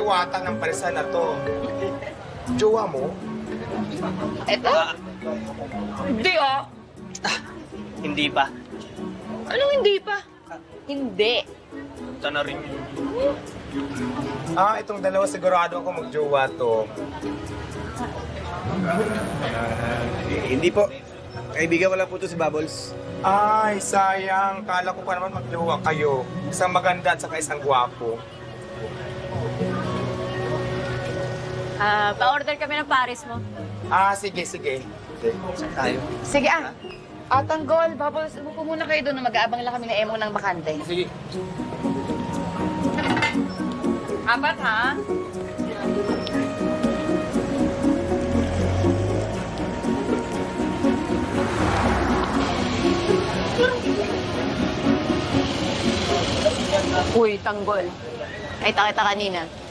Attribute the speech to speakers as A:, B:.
A: diwata ng parisan na to. Jowa mo?
B: Eto? Hindi ah.
C: Hindi pa.
B: Anong hindi pa? Hindi.
C: Ito na rin yun.
A: Itong dalawa sigurado ako magjowa to.
D: Hindi po. Kaibigan ko lang po to si Bubbles.
A: Ay, sayang. Kala ko pa naman magjowa kayo. Isang maganda at saka isang gwapo.
B: Pa-order kami ng Paris mo.
A: Sige.
D: Tayo.
B: Sige Tanggol, Bubbles, upo muna kayo doon na mag-aabang lang kami na emo ng bakante.
D: Sige.
B: 4 ha? Uy, Tanggol. Nakita kita kanina.